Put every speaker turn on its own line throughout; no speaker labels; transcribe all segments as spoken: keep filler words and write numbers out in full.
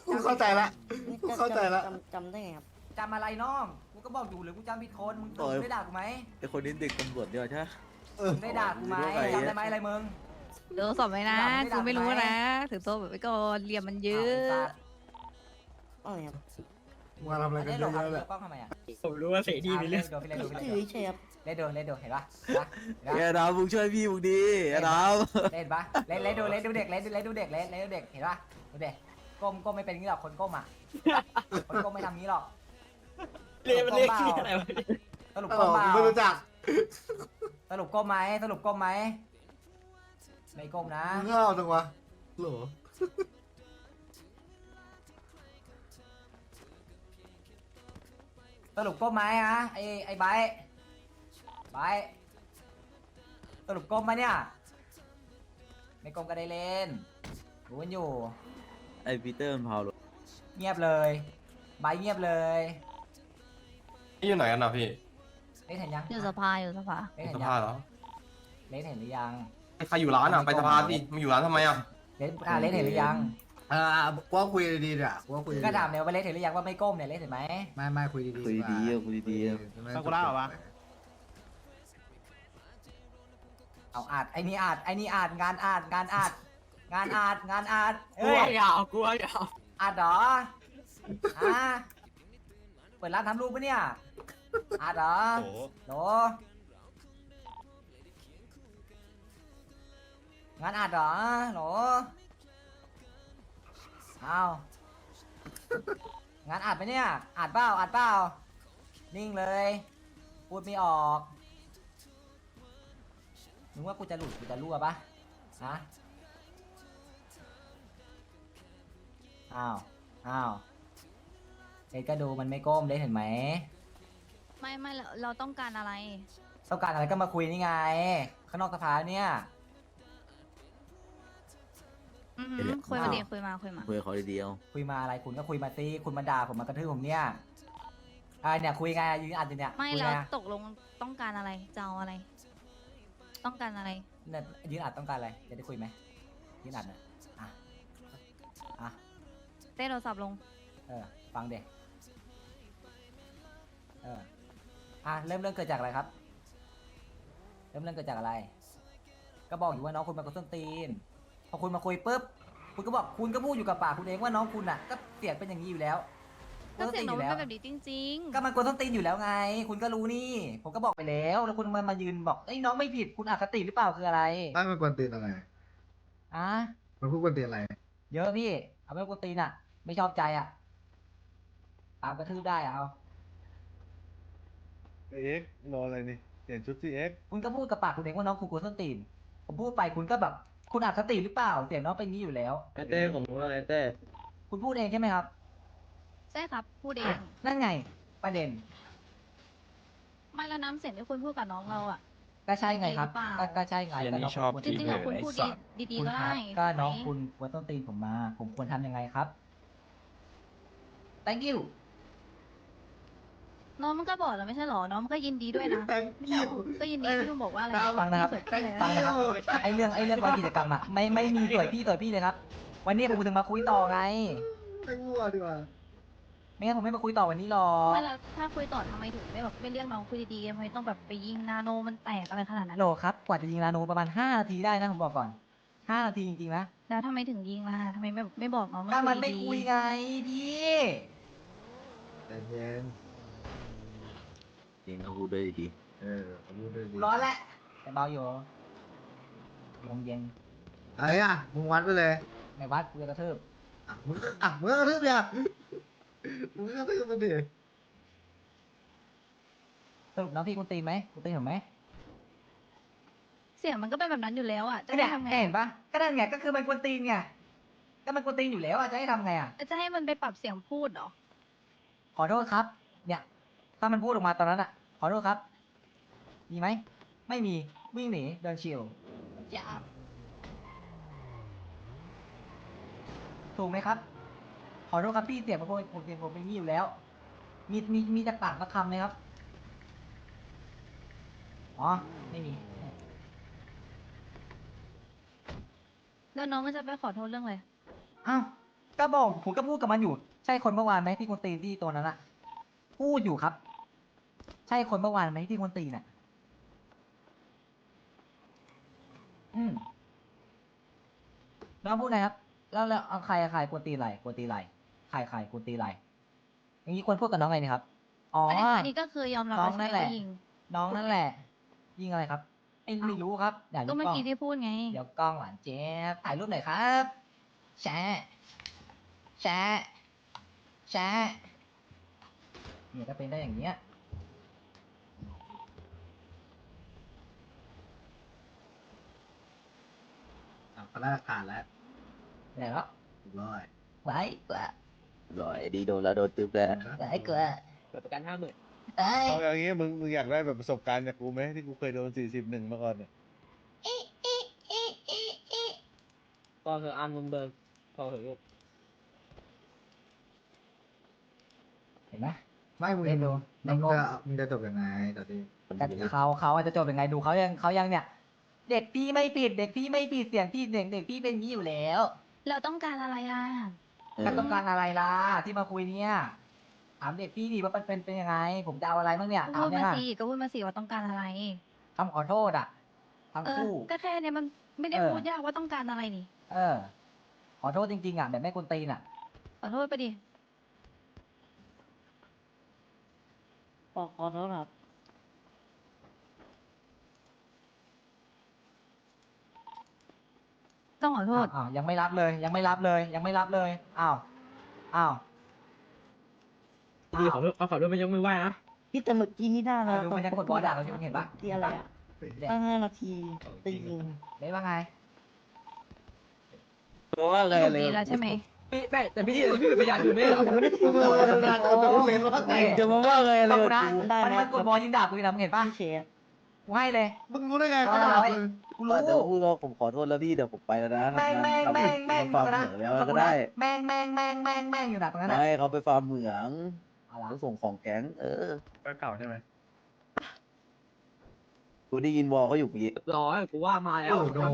กูเข้าใจละกูเข้าใจละ
จำจำได้ไงครับ
จำอะไรน้องกูก็บอกอยู่หรือกูจำผิดคนมึง
โอ้ย
ได้ด่ากูไหม
ไอคนนี้เด็กตำรวจเนี่ยใช่ไหม
เออ
มึงได้ด่ากูไหม
รู้ไหม
จำได้ไหมอะไรมึง
โดนสอบไหมนะ
ไม่ได้
กูไม่รู้
ไม่ได้
นะถือโต๊ะแบบไว้ก่อนเหลี่ยมมันเยอะ
อะไรครับ
มาทำอะไร
อัน
กัน
นี้
เย
หล
อะ
บ
แยะ
เ
เลย
กล้องทำไมอ่ะ
ผมรู้ว่าเสดีมีเรื่อง
เล่นดูเล่นดู
ถื
เล่น
อ
ดู
เฉยครับ
เล่นดูเล่นดูเห็นปะเห็นปะ
เอ้ยดาวมึงช่วยพี่มึงดีไอ้ดาว
เล่นปะเล่นเล่นดูเล่นดูเด็กเล่นดูเล่นดูเด็กเล่นเล่นดูเด็กเห็นปะดูเด็กก้มก้มไม่เป็นงี้หรอกคนก้มอ่ะคนก้มไม่ทำงี้หรอก
เรียกมันเรียกชื่ออะไรวะ
สรุป
เอ
ก้
อ
มเปล่า
กูไม่รู้จัก
สรุปก้มไหมสรุปก้มไหมไม่ก้มนะ
มึงเข้าจังวะโหล
สรุปก้มไหมฮะไอไอไบร์ทไบร์ทสรุปก้มไหมเนี่ยไม่ก้มก็ได้เล่นรู้กันอยู่
ไอปีเตอร์มันเผาหรอ
เงียบเลยไบร์ทเงียบเลย
นี่อยู่ไหนกันนะพี่
เล่นเห็นยัง
อยู่สภาอยู่สภา
เล่นเห็
ส
นยั
ภาง เหรอ
เล่นเห็นหรือยัง
ใครอยู่ร้านอ่ะ ไปสภาสิมาอยู่ร้านทำไมอ่ะ
เล่นอ่าเล่นเห็นหรือยัง
อ่ากูว่าคุยดีๆเนี่ยกูว่าคุยดีๆ
ก็ถามเนี่ยว่าเล่นเห็นหรือยังว่าไม่ก้มเนี่ยเล่นเห็นไหม
ไม่ไม่คุยดีๆ
คุยดีๆอ่ะคุยดีๆอ่ะ
ฟังกูเล่าเหรอวะ
เอาอาดไอ้นี่อาดไอ้นี่อาดงานอาดงานอาดงานอาดงานอาด
กู
เอ้ย
ว่ายาวกูว่ายาว
อาดเหรออ่ะเปิดร้านทำรูปปะเนี่ยอาดเหรอโหลงานอาดเหรอโหลเอางานอาดไปเนี่ยอาดเปล่าอาดเปล่านิ่งเลยพูดไม่ออกมึงว่ากูจะหลุดกูจะรั่วปะฮะอ้าวอ้าวเด็กก็ดูมันไม่ก้มได้เห็นไหม
ไม่ไม่เราเราต้องการอะไร
ต้องการอะไรก็มาคุยนี่ไง ข้างนอกสภาเนี่ย
อือหือคุยมาดิคุยมาคุยมา
คุยกับเขาดีๆเอา
คุยมาอะไรคุณก็คุยมาสิคุณมาด่าผมมากระทืบผมเนี่ยอ่าเนี่ยคุยไงยืนอัดอยู่เนี่ย
ไม่
คุย
เรา
ไง
ตกลงต้องการอะไรจะเอาอะไร ต้องการอะไร
เนี่ยยืนอัดต้องการอะไรจะได้คุยไหมยืนอัดน่ะอ่ะอ่ะ
เต้โทรศัพท์ลง
เออฟังเด็กเอออ่ะเริ่มเรื่องเกิดจากอะไรครับ เริ่มเรื่องเกิดจากอะไร ก็บอกอยู่ว่าน้องคุณมากับส้นตีนพอคุณมาคุยปุ๊บคุณก็บอกคุณก็พูดอยู่กับปากคุณเองว่าน้องคุณอ่ะก็เสียงเป็นอย่างนี้อยู่แล้ว
ก็เสียงน้อง
อ
มัน
แล้ว
เป็นแบบนี้จริง
ก็มันกวนส้นตีนอยู่แล้วไง คุณก็รู้นี่ ผมก็บอกไปแล้ว แล้วคุณมามายืนบอกไอ้ยน้องไม่ผิดคุณอคติหรือเปล่าคืออะไร
ไม่มันกวนตีนอะไร
อ่ะ
มันพูดกวนตีนอะไร
เยอะพี่เอาไม่กวนตีนอ่ะ ไม่ชอบใจอ่ะตามกระทืบได้อะเอา
เอ็กรออะไรนี่เปลี่ยนชุดสิเอ็ก
คุณก็พูดกับปากคุณเองว่าน้องคุณกวนส้นตีนผมพูดไปคุณก็แบบคุณอคติหรือเปล่าเสียงน้องเป็นอย่างนี้อยู่แล้ว
ไอเต้ผมรู้อะไรเต้
คุณพูดเองใช่ไหมครับ
ๆ ใช่ครับพูดเอง
นั่นไง ประเด็น
ไม่แล้วน้ำเสียงที่คุณพูดกับน้องเราอ่ะ
ก็ใช่ไงครับ
หรือเปล่า
ก็ก็ใช่ไงก็น้องคุณ
จริงๆอะคุณพูดดีดี
คุณ
ๆก็
ครั
ได้
บก็น้อง
ไหม
คุณกวนส้นตีนผมมา ผมควรทำยังไงครับ thank you
น้องมันก็บอกแล้วไม่ใช่หรอ น้องมันก็ยินดีด้วยนะ
thank you
ก็ยินดีที่ลุงบอกว่าอะไร
ฟังนะครับ ฟังนะครับ ไอเรื่องไอเรื่องวันกิจกรรมอะไม่ไม่มีต่วยพี่ต่วยพี่เลยครับ วันนี้ผมถึงมาคุยต่อไง
ไม่มั่วดีกว่า
ไม่งั้นผมไม่มาคุยต่อวันนี้หรอก
ไม่แล้วถ้าคุยต่อทำไมถึงไม่แบบไม่เรียกน้องคุยดีๆทำไมต้องแบบไปยิงนาโนมันแตกอะไรขนาดนั้น
โหลครับ กว่าจะยิงลาโนประมาณห้านาทีได้นะผมบอกก่อนห้านาทีจริงๆนะ
แล้วทำไมถึงยิงล่ะทำไมไม่ไม่บอกน้อง
ถ้ามัน
คุ
ไม่
ดีๆ
คุยไงพี่
แต่เย็น
จริงเขาพูดด้วยดี
เออเอาพูดด้วยดี
ร้อนแหละแต่เบาอยู่ลมเย็น
อะไรอ่ะมึงวัดไปเลย
ไม่วัดกูจะกระทืบ
อ่ะมึงก็อ่ะมึงก็กระทืบเนี่ยมึงก็กระทืบมันดิ
สรุปน้องพี่คุณตีนไหมคุณตีนผมไหม
เสียงมันก็เป็นแบบนั้นอยู่แล้วอ่ะ จะ
ก็
ให้
เนี่ย
ทำไง
เห็นปะก็นั่นไงก็คือมันกวนตีนไงก็มันกวนตีนอยู่แล้วอะจะให้ทำไงอะ
จะให้มันไปปรับเสียงพูดเหรอ
ขอโทษครับ เนี่ย ถ้ามันพูดออกมาตอนนั้นอะขอโทษครับ มีไหม ไม่มี วิ่งหนี เดินชิว
อย่า
ถูกไหมครับ ขอโทษครับพี่เสียงผมผมเสียงผมเป็นอย่างนี้อยู่แล้ว มี มี มีจากปากมาคำไหมครับ อ๋อ ไม่มี
แล้วน้องมันจะไปขอโทษเรื่องอะไร
อ้าว ก็ก็บอกผมก็พูดกับมันอยู่ ใช่คนเมื่อวานไหมที่คนตีนที่ตัวนั้นอะพูดอยู่ครับ ใช่คนเมื่อวานไหมที่คนตีนน่ะอืมน้องพูดไงครับ แล้วแล้วเอาใครใครควรตีไหลควรตีไหลใครใครควรตีไหลอย่างนี้ควรพูดกับน้องไงนี่ครับ อ๋อ
อันนี้อันนี้ก็คือยอมรับ
น้อง
ว่า
นั่
ใช่
นแหละ
ว่ายิง
น้องนั่นแหละ ยิงอะไรครับไม่ไม่รู้ครับเดี๋ยว
ก็
ดู
เมื่อก
ล้อง
กี้ที่พูดไง
เดี๋ยวกล้องหวานเจี๊ยบถ่ายรูปหน่อยครับแชะแชะแชะเนี่ยก็เป็นได้อย่างเงี้ย
อ่ะพนักงานแล้ว
เดี๋ยวแล้ว
เรียบร้อย
ไว้กว่า
ร้อยดีโดนแล้วโดนตึ๊บแล้ว
ไว้กว่า
เปิดประกันห้าหมื่น
ไอ้ย
เอาอย่างงี้มึงมึงอยากได้แบบประสบการณ์จากกูไหมที่กูเคยโดนสี่สิบหนึ่งมาก่อนเนี่ย
พอเถอะอันมึงเบิร์นพอเถอะลูก
เห็นไหม
ไม่มึง
เล่นดู
มึง
ในงบ
จะมึงจะจบยังไงตอนนี้
แต่เขาเขาอาจจะจบยังไงดูเขายังเขายังเนี่ย เด็กพี่ไม่ผิด เด็กพี่ไม่ผิดเสียงพี่เด็กเด็กพี่เป็นอย่างนี้อยู่แล้ว
เราต้องการอะไรล่ะ
เออ
ก็ต้องการอะไรล่ะที่มาคุยเนี่ยถามเด็กพี่ดิว่ามันเป็นเป็นยังไง ผมจะเอาอะไรบ้างเนี่ย
ก็
ถา
พู
ม
ด
เนี่
มาย สิก็พูดมาสิว่าต้องการอะไร
คำขอโทษอ่ะทั้ง
เออ
คู่
ก็แค่เนี้ยมันไม่ได้
เออ
พูดยากว่าต้องการอะไรนี่
เออ ขอโทษจริงๆอ่ะแบบไม่กวนตีนอ่ะ
ขอโทษไปดิ
ขอขอโทษครับ
ต้องขอโทษ
อ้าวยังไม่รับเลย ยังไม่รับเลย ยังไม่รับเลยอ้าวอ้าว
ดีขอโทษเอาขอโทษไม่ยกมือไหว้นะ
พี่แต่เมื่อกี้นี่ได้แล้ว
ดูมันยังกดบอลด่าเราอยู่เห็นปะ
ที่อะไรอ่ะ
เนี่ย
ตั้งห้านาทีจะยิง
เห็นว่าไง
ตัวว่าไง
ถูก
เลย
ดีแล้วใช่ไหม
พี่แต่แต่พี่พี่เป็นพยานอยู่ไม่เหรอ
ไม่ได้พูดเลยนะเอาตัวเป็นว่าไง
จะมาว่าไงเลย
ฟังกูนะ
กู
ได้
มัน
แล้ว
มันกดบอลยิงด่ากูอยู่นะมึงเห็นปะ
พี่เชฟ
กูให้เลย
มึงรู้ได้ไงเขาด่ามึง
กูรู้
เดี๋ยวพูดว่าผมขอโทษแล้วพี่เดี๋ยวผมไปแล้วนะ
แม่งแม่งแม่งแม่ง
ฟาร์มเหมืองแล้วก็ได้
แม่งแม่งแม่งแม่งแม่งอยู่นะตรงนั้นน่ะ
ไม่เขาไปฟาร์มเหมือง
เอาละ
เขาส่งของแก๊งเออ
ก็เก่าใช่ไหม
กูได้ยินวอลเขาอยู่เมื่อกี้
ร้อยกูว่ามาแล้ว
โอ้โห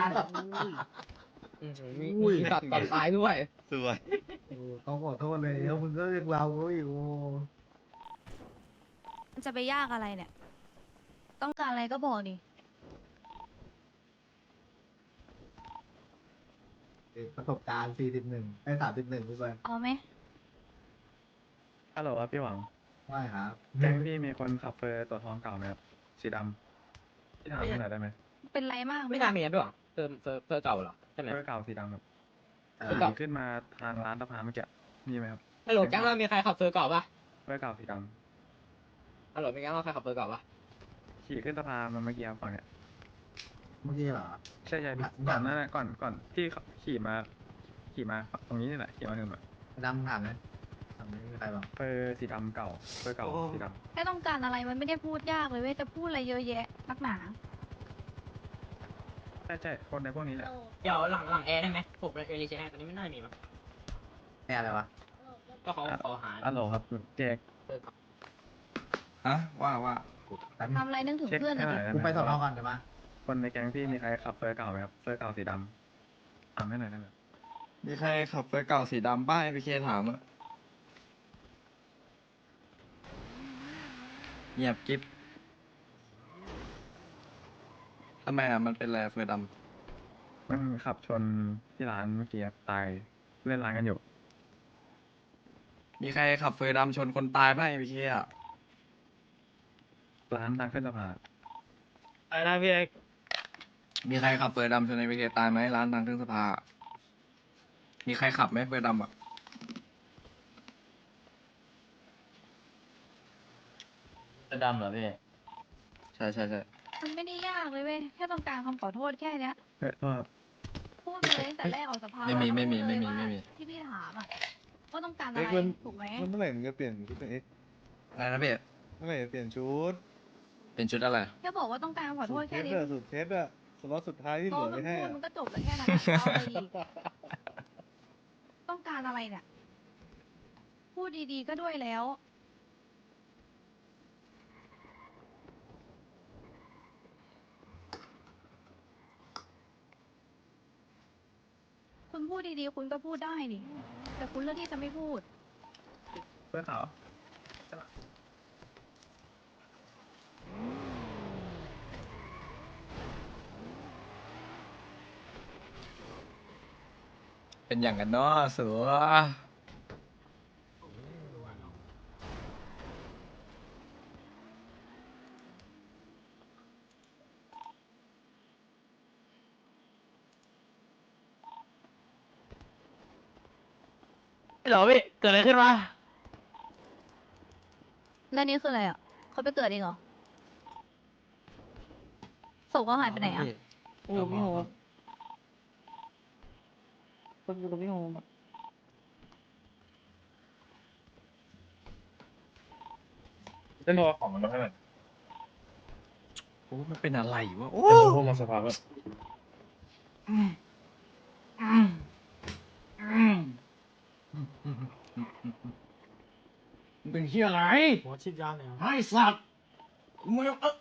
อืมมีมีตัดตัดตายด้วย
สวย
เขาขอโทษเลยแล้วมึงก็เรียกเราเขาอยู่
มันจะไปยากอะไรเนี่ย ต้องการอะไรก็บอกดิ
ประสบการณ์สี่สิบหนึ่งไอ้สามสิบหนึ่งพี่บอล
เอาไหม
ฮัลโหลครับพี่หวัง
ไม่ครับ
แก๊งพี่มีคนขับเฟอร์ตัวทองเก่าไหมครับสีดำพี่ถามพี่หน่อยได้ไหม
เป็นไรมาก
ไม่น่ามีนะพี่หวังเติมเติมเติมเก่าเหรอใช่ไหม
เฟอร์เก่าสีดำครับ
เออ
ขี่ขึ้นมาทางร้านสะพานเมื่อกี้มีไหมครับ
ฮัลโหลแก๊งเรามีใครขับเฟอร์เก่าปะ
เฟอร์เก่าสีด
ฮัลโหลมีแก๊งเราใครขับเฟอร์เก่าปะ
ำขี่ขึ้นสะพานมาเมื่อกี้ครับฝั่งเนี้ย
เมื่อกี้เหรอ
ใช่ใช่พี่ก่อนหนั่นแหละก่อนก่อนที่เขาขี่มาขี่มาตรงนี้นี่แหละขี่มาถึงแบบ
ดำถามเลยถามไม่มีใครบอก
เฟอร์สีดำเก่าเฟอร์เก่าสีด
แค่ต้องการอะไรมันไม่ได้พูดยากเลยเว้ยจะพูดอะไรเยอะแยะนักหนา
ำใช่ใช่คนในพวกนี้แหละ
เดี๋ยวหลังหลังแอร์ได้ไหมผมเอลิเจแอร์ตอนนี้ไม่น่ามีมั้ง
แค่อะไรวะ
ก็เขาขอหา
ฮัลโหลครับเจ๊ก
เฟอร์เก่า
ฮะว่าว่า
แป๊บ
ทำอะไรนึกถึง
เช็ค
เพื่อนหน่
ให้
อย
หน่
ดิ
อยได้ไหม
กูไปสอนอก่อนเดี๋ยวมา
คนในแก๊งพี่มีใครขับเฟอร์เก่าไหมครับเฟอร์เก่าสีดำถามให้หน่อยได้ไหม
มีใครขับเฟอร์เก่าสีดำป้ายพี่เคถามอะเงียบกิ๊บทำไมอ่ะมันเป็นอะไรเฟอร์ด
มันขับชนที่ร้านเมื่อกี้ครับตายเล่นร้านกันอยู่
ำมีใครขับเฟอร์ดำชนคนตายป้ายพี่เคอ่ะ
ร้านทางขึ้นสะพาน
อะไรนะพี่เอก
มีใครขับเฟอร์ดำชนในพี่เคตายไหมร้านทางขึ้นสะพานมีใครขับไหมเฟอร์ดำอ่ะ
จะดำเหรอพี่
ใช่ใช่ใช่
มันไม่ได้ยากเลยเว้ยแค่ต้องการคำขอโทษแค่เนี้ย
เฮ้ยโทษครับ
พูดไปเลยตั้งแต่แรกออกสภา
ไม่มีไม่มี
พูด
ไม่
เลย
มี
ว่า
ไม่มี
ที่พี่ถามอ่ะว่าต้องการอะ
เอ็ก
ไร
ซ์มัน
ถูกไหม
มันเมื่อไหร่มึงจะเปลี่ยนชุดเป็นเอ็กซ์
อะไรนะพี่
เมื่อไหร่จะเปลี่ยนชุด
เป็นชุดอะไร
แค่บอกว่าต้องการคำขอโทษ
เท
แค่
ส
นี้
อะสุดเทสอะสล็อตสุดท้ายที่เห
พอ
ลือ
มึ
ไม่
ง
ให้
พูด
อะ
มันก็จบแล้วแค่นั้นอะเอาอะไรอีกต้องการอะไรเนี่ยพูดดีๆก็ด้วยแล้ว คุณพูดดีๆ คุณก็พูดได้นี่แต่คุณเลือกที่จะไม่พูด
เพื่อเขา
เป็นอย่างกันเนาะเสือเหรอพี่เกิดอะไรขึ้นมา
แล้วนี่คืออะไรอ่ะเขาไปเกิดเองเหรอศพเขาหายไปไหนอ่ะ
อยู่กับพี่โฮมคนอยู่กับพี่โฮม
เล่นโทรของมันมาให้หน่อย
โอ้มันเป็นอะไรวะโอ้
เล่นโทรมาสภาพแบบ
มันเป็นเฮียอะไรหัวชิดยาเลยไอ้สัตว์มึงเออ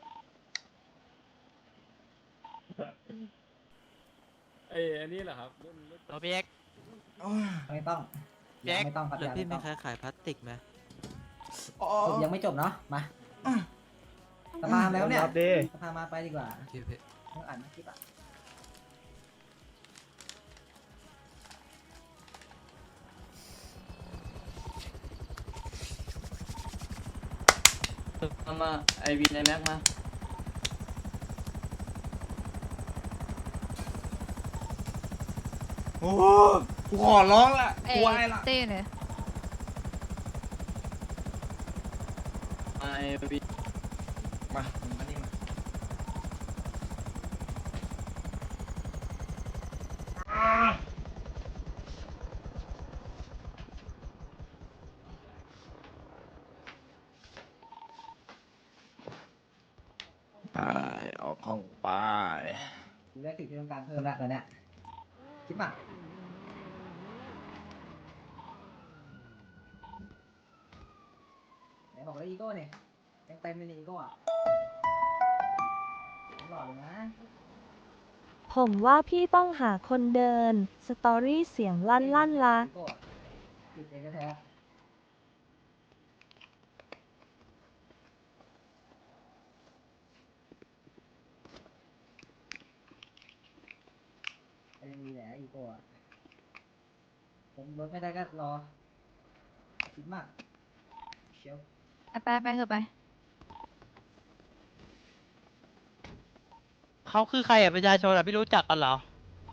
ไอ้อันนี้เหรอครับ
เราพี่เอ็ก
ไม่ต้อง
พี่เอ็ก
ไม่ต้องครับ
หรือ
ยัง
พี่
ไม่
มี
ต้อง
ใครขายพลาสติกไหม
จบยังไม่จบเนาะมาสภาแล้วเนี่ย
รับดิ
สภามาไปดีกว่า
โอเคพี่
เมื่ออ่านคลิปอ่ะ
เอามาไอวีในแม็กมา
โอ้กูขอร้องละ
เอ้
กูไอ้ละ
เต้เลย
ไอวี
มามึงมานี่มาไปออกห้องไป
ดูได้สิ่งที่ต้องการเพิ่มแล้วตอนเนี้ยคลิปอ่ะไหนบอกว่าอีโก้เนี่ยยังเต็มเลยนี่อีโก้อ่ะหล่อเลยนะ
ผมว่าพี่ต้องหาคนเดิน สตอรี่เสียงลั่นลั่นละ
อีโก้อะหยุดเองแท้ๆไอ้มีแหละอีโก้อะผมลดไม่ได้ก็รอคิดมากเชียว
ไปไปไปเถอะไป
เขาคือใครอ่ะประชาชนอ่ะพี่รู้จักกันเหรอ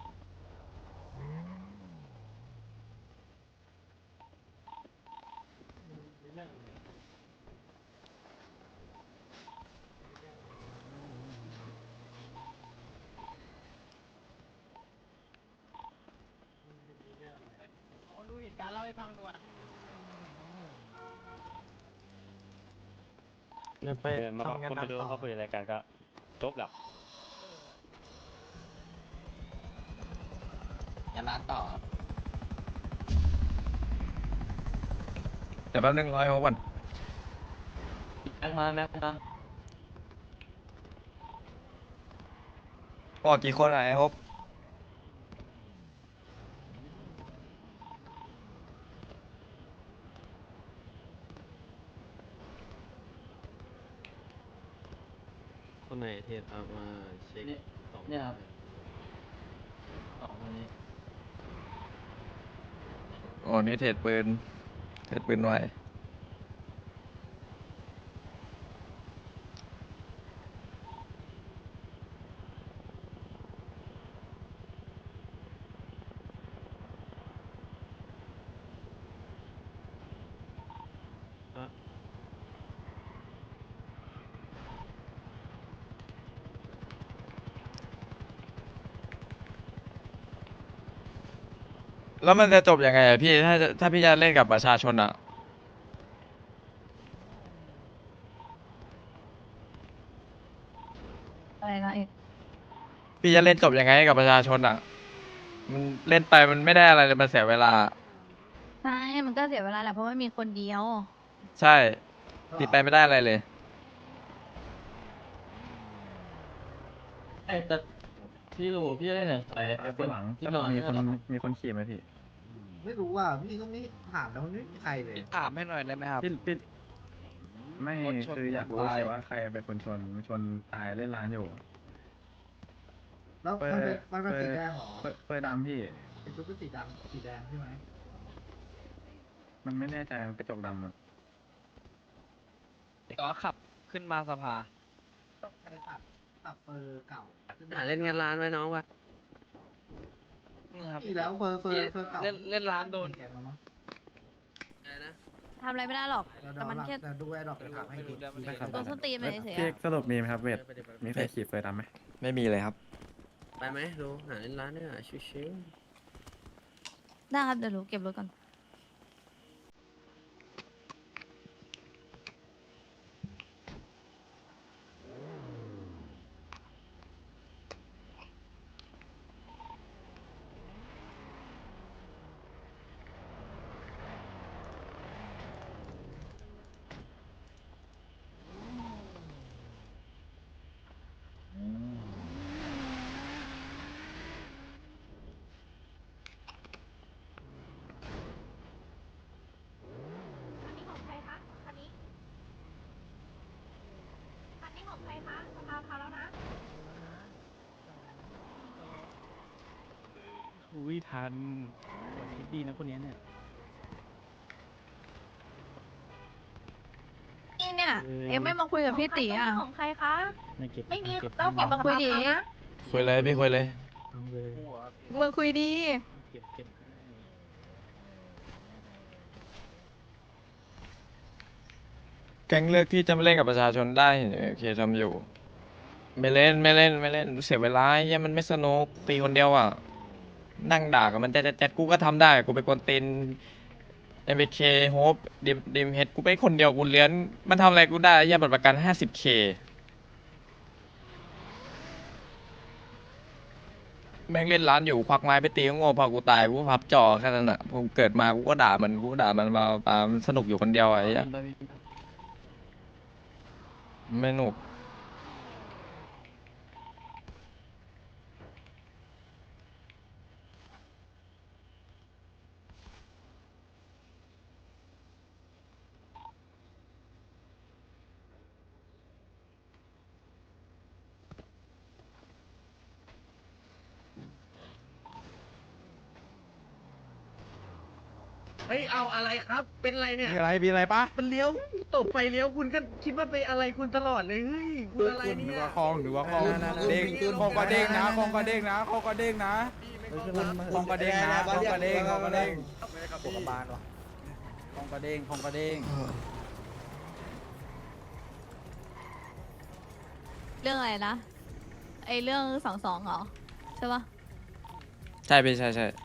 ดูเหตุการณ์เล่าให้ฟังด่วน
ไปมาคนไปดูเขาคุยอะไรกันก็จบแล้ว
อย่ามาต่อเดี๋ยวแป๊บนึงรอให้เขาก่อน
แม็กมาแม็กมา
ออกกี่คนอะไอ้ฮบ
คนไหนเทสเอามาเช็ค
เนี่ยเนี่ยครับสองคนนี้
อ๋อนี่เทรดปืนเทรดปืนไว้แล้วมันจะจบยังไงอะพี่ถ้าจะถ้าพี่จะเล่นกับประชาชนอะ
อะไรนะเอก
พี่จะเล่นจบยังไงกับประชาชนอะมันเล่นไปมันไม่ได้อะไรเลยมันเสียเวลา
ใช่มันก็เสียเวลาแหละเพราะว่ามีคนเดียว
ใช่ติดไปไม่ได้อะไรเลย
ไอแต่พี่รู้พี่ได้เนี่ยไอไอ
ข้างหลัง
ที่หลัง
มี
มี
ค
คน น
มีคนขี่ไหมพี่
ไม่รู้ว่าพี่ก็ไม่ถามแล้วมันไม่มีใครเลย
ถามให้หน่อยได้ไหมครับ
พี่พี่ไม่
รถชน
คืออยากรู้เฉยว่าใครเป็นคนชนชนตายเล่นร้านอยู่
แล้ว
เปิ
มัน
ด
เป็นมันเป็น
เปิด
สีแดงเหรอ
เปิดเปิดดำพี่
เป็นชุดเป็นสีดำสีแดงใช่ไหม
มันไม่แน่ใจมันกระจกดำอะ
ก็ขับขึ้นมาสภา
ต้องใช้ขับขับเฟอร์เก่าขึ้นม
หาเล่นงานร้านไว้น้องวะนี่ครับ
อีแล้วเฟอร์เฟอร์เฟอร์เก่า
เล่นเล่นร้านโดน
แกมามั้ง
อะไรนะ
ทำอะไรไม่ได้หรอก
เดี๋ยว
แต่มันแค่
เดี๋ยวดูแอร์ดรอปจะถามให้ดี
โดนส้นตีนไปเฉยๆ
พี่
อะ
สรุปมีไหมครับเวทมีใครขี่เฟยดำไหม
ไม่มีเลยครับ
ไปไหมดูหาเล่นร้านเนี่ยชิว
ได้ครับเดี๋ยวหนูเก็บรถก่อน
อุ้ยทันคิดดีนะคนนี้เนี่ย
นี่เนี่ย เอ็มไม่มาคุยกับพี่ตีอ่ะ
ของใครคะ
ไม่เก็บ
ไม่มี
เก็บ
ต้องเก็บ
มาคุยดิ
นะ
คุยเลยพี่คุยเลย
มาคุยดี
เก็บเก็บ
แก๊งเลือกที่จะไม่เล่นกับประชาชนได้โอเคทำอยู่ ไม่เล่นไม่เล่นไม่เล่นเสียเวลาเหี้ยมันไม่สนุกตีคนเดียวอ่ะ นั่งด่ากับมันแจ๊ดแจ๊ดกูก็ทำได้กูเป็นคนตีนเอ็มเคโฮปดิมดิมเฮดกูไปคนเดียวกูเลี้ยนมันทำอะไรกูได้แย่บัตรประกันห้าสิบเคแม่งเล่นร้านอยู่ควักไม้ไปตีก็โง่พอกูตายกูก็พับจอแค่นั้นอ่ะผมเกิดมากูก็ด่ามันกูก็ด่ามันมาตามสนุกอยู่คนเดียวไอ้เหี้ยไม่หนุก
เฮ้ยเอาอะไรครับ เป็นอะไรเนี่ย
มีอะไรมีอะไรปะ
มันเลี้ยวตบไฟเลี้ยวคุณก็คิดว่าไปอะไรคุณตลอดเลยเฮ้ยคุณอะไรเนี่ย
คลองหรือว่าคลองเด้งคลองก็เด้งนะคลองก็เด้งนะคลองก็เด้งนะคลองก็เด้งนะคลองก็เด้งคลองก็เด้งไม่ได้ขับรถบานหรอคลองก็เด้งคลองก็เด้ง
เรื่องอะไรนะ ไอเรื่องสองสองเหรอ ใช่ปะ
ใช่พี่ใช่ใช่